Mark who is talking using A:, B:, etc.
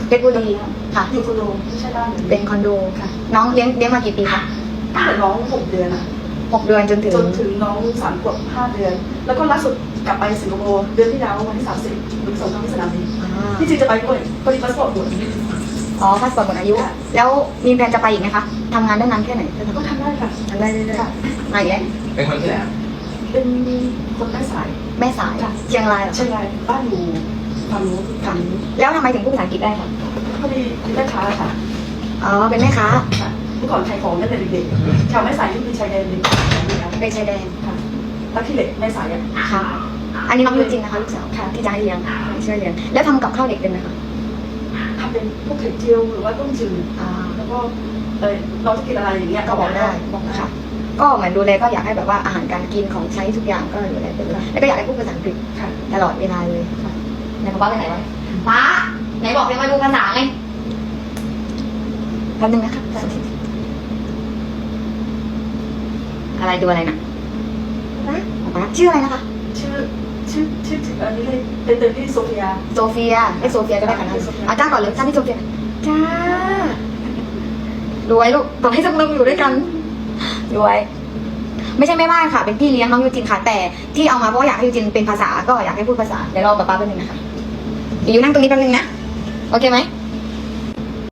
A: เพชรบุรีค่ะ
B: อยู่คอนโดไม่ใช่บ้าน
A: เป็นคอนโดค่ะ น้องเลี้ยงมากี่ปีคะ
B: ตั้งแต่น้อง6 เดือนอะ
A: 6 เดือนจนถึง
B: น้อง3 ขวบ 5 เดือน แล้วก็ล่าสุดกลับไปสิงคโปร์เดือนที่แล้ววันที่30 ส่งเข้าที่สนามบินที่จริงจะไปด้วยพอดีพาสปอร์ตหมด
A: อ๋อพาสปอร์ตหมดอายุ แล้วมีแผนจะไปอีกไหมคะทำงานได้นานแค่ไหน
B: ก็ทำได้ค่ะ
A: ทำได้เรื่อยๆมาอีกแล้ว
C: เป็นคนที่ไหน
B: เป็นคนแม่สาย
A: แม่สายเชียงรายเหรอ
B: เชียงรายบ้านอยู่ฝั่งนู้น
A: ค่ะแล้วทำไมถึงพูดภาษาอังกฤษได้คะ
B: พอดีเป็นแม่ค้าค่ะ
A: อ๋อเป็นแม่ค้า
B: ค่ะเมื่อก่อนขายของตั้งแต่เด็กๆชาวแม่สายที่เป็นชายแดนเด็ก
A: เป็นชายแดน
B: ค่ะตั้งที่เหล็กแม่สายอ่ะ
A: ค่ะ อันนี้น้องยูจินนะคะลูกสาวค่ะที่จะให้เลี้ยงช่วยเลี้ยงแล้วทำกับข้าวเด็กเป็นไหมคะ
B: ทำเป็นพวกไข่เจียวหรือว่าต้มจืด
A: อ่า
B: แล้วก็น้องจะกินอะไรอย่างเงี้ย
A: ก็บอกได้ค่ะ ก็เหมือนดูแลก็อยากให้แบบว่าอาหารการกินของใช้ทุกอย่างก็ดูแลไปเลยแล้วก็อยากให้พูดภาษาอังกฤษ
B: ค่ะ
A: ตลอดเวลาเลยค่ะไหนป้าไปไหนวะป้าไหนบอกจะมาดูภาษาไงแป๊บนึงนะคะอะไรดูอะไรนะป้าชื่ออะไรนะคะ
B: ชื่ออันนี้เลยเป็นที่โซเฟีย
A: โซเฟียให้โซเฟียก็ได้ค่ะนะอาจารย์ก่อนเลยท่านที่โซเฟียจ้ารวยลูกบอกให้สักนึงอยู่ด้วยกันรวยไม่ใช่แม่บ้านค่ะ เป็นพี่เลี้ยงน้องยูจินค่ะ แต่ที่เอามาเพราะว่าอยากให้ยูจินเป็นภาษาก็อยากให้พูดภาษาเดี๋ยวรอป๊าป๊าแป๊บนึงนะคะอยู่นั่งตรงนี้แป๊บนึงนะโอเคไหม